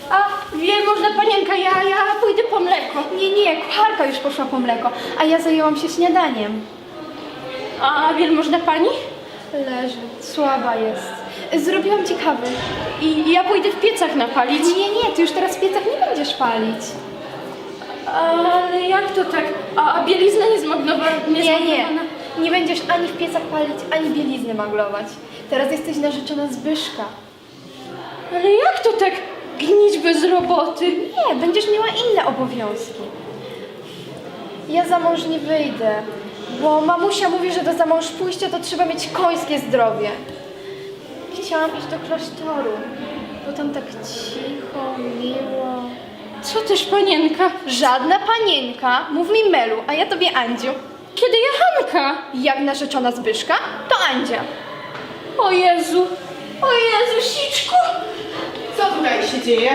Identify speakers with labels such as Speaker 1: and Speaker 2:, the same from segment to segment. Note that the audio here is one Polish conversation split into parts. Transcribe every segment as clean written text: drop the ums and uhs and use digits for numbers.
Speaker 1: A wielmożna panienka, ja pójdę po mleko.
Speaker 2: Nie, kucharka już poszła po mleko, a ja zajęłam się śniadaniem.
Speaker 1: A wielmożna pani?
Speaker 2: Leży, słaba jest. Zrobiłam ci kawy.
Speaker 1: I ja pójdę w piecach napalić.
Speaker 2: Nie, ty już teraz w piecach nie będziesz palić.
Speaker 1: Ale jak to tak? A bielizna nie zmagnowana?
Speaker 2: Nie będziesz ani w piecach palić, ani bielizny maglować. Teraz jesteś narzeczona Zbyszka.
Speaker 1: Ale jak to tak gnić bez roboty?
Speaker 2: Nie, będziesz miała inne obowiązki. Ja za mąż nie wyjdę, bo mamusia mówi, że do za mąż pójścia to trzeba mieć końskie zdrowie. Chciałam iść do klasztoru, bo tam tak cicho, miło.
Speaker 1: Co też panienka?
Speaker 2: Żadna panienka, mów mi Melu, a ja tobie Andziu.
Speaker 1: Kiedy ja Hanka?
Speaker 2: Jak narzeczona Zbyszka, to Andzia.
Speaker 1: O Jezu, siczku!
Speaker 3: Co tutaj się dzieje?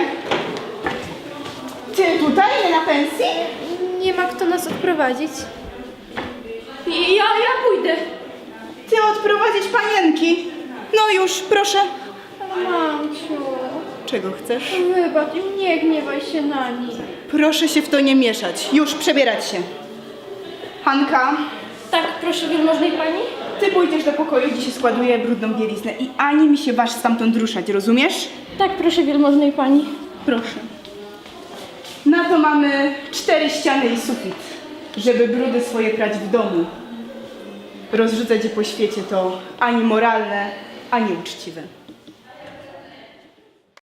Speaker 3: Ty tutaj, nie na pensji?
Speaker 2: Nie ma kto nas odprowadzić.
Speaker 1: Ja pójdę.
Speaker 3: Ty odprowadzić panienki. No już, proszę.
Speaker 2: Ale mamciu,
Speaker 3: Czego chcesz?
Speaker 2: wybacz, nie gniewaj się na nich.
Speaker 3: Proszę się w to nie mieszać. Już, przebierać się. Hanka,
Speaker 1: Tak, proszę wielmożnej pani?
Speaker 3: ty pójdziesz do pokoju, gdzie się składuje brudną bieliznę i ani mi się waż stamtąd ruszać, rozumiesz?
Speaker 1: Tak, proszę wielmożnej pani.
Speaker 3: Proszę. Na to mamy 4 ściany i sufit, żeby brudy swoje prać w domu. Rozrzucać je po świecie to ani moralne, ani uczciwe.